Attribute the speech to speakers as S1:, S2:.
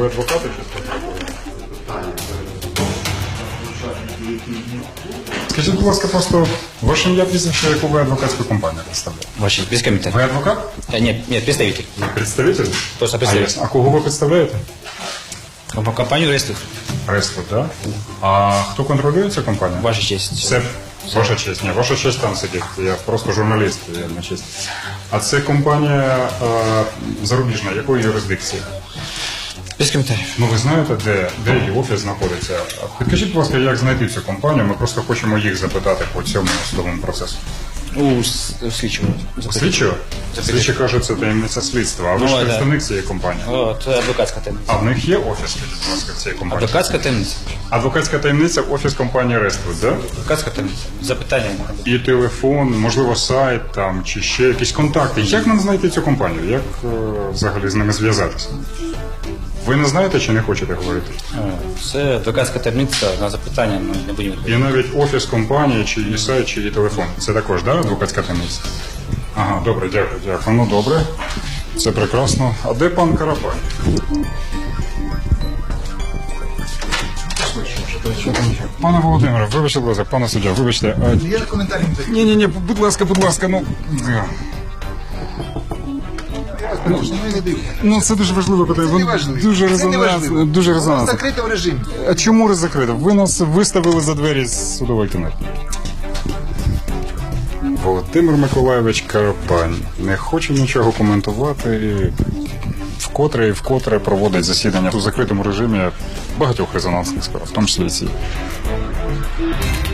S1: Ви адвокати чи Скажіть, будь ласка, просто ваше ім'я, прізвище, яку ви адвокатську компанію представляєте?
S2: Ваши, без комментариев.
S1: Ви адвокат?
S2: Нет, представитель.
S1: Ви представитель?
S2: Просто
S1: А,
S2: представитель.
S1: ясно. А кого ви представляєте?
S2: Компанию Рестов.
S1: Рестфуд, так? А хто контролює цю компанію?
S2: Ваша честь.
S1: Це ваша честь. Ні, ваша честь там сидить. Я просто журналіст, я не честь. А це компанія зарубіжна, якої юрисдикції?
S2: Без комментариев.
S1: Ну ви знаєте, де її офіс знаходиться? Підкажіть, будь ласка, як знайти цю компанію? Ми просто хочемо їх запитати по цьому судовому процесу.
S2: У слідчого.
S1: Слідчого? Слідчі кажуть, це таємниця слідства. А ви ж
S2: Ну,
S1: представник цієї компанії.
S2: От адвокатська таємниця.
S1: А в них є офіс, скажіть, будь ласка, в цієї компанії?
S2: Адвокатська таємниця.
S1: Адвокатська таємниця, офіс компанії Рествуд, так?
S2: Адвокатська таємниця. Запитання.
S1: І телефон, можливо, сайт там, чи ще якісь контакти. Як нам знайти цю компанію? Як взагалі з ними зв'язатися? Ви не знаєте чи не хочете говорити?
S2: Це адвокатська таємниця на запитання, ми не будемо відповідати.
S1: І навіть офіс компанії, чи її сайт, чи її телефон. Це також, да, адвокатська таємниця? Ага, добре, дякую. Ну, добре. Це прекрасно. А де пан Карапай? Пане Володимире, вибачте, будь ласка, пане суддя, вибачте.
S3: Я коментарі не даю.
S1: Ні, будь ласка, ну.
S3: Не даю.
S1: Ну, це дуже важливе питання.
S3: Це не важливо.
S1: Дуже
S3: Це не важливо.
S1: Дуже
S3: Воно
S1: резонансно.
S3: закрите в режимі.
S1: А чому ви закрито? Ви нас виставили за двері з судової кімнати. Володимир Миколайович Карапань не хоче нічого коментувати і вкотре проводить засідання у закритому режимі багатьох резонансних справ, в тому числі і ці.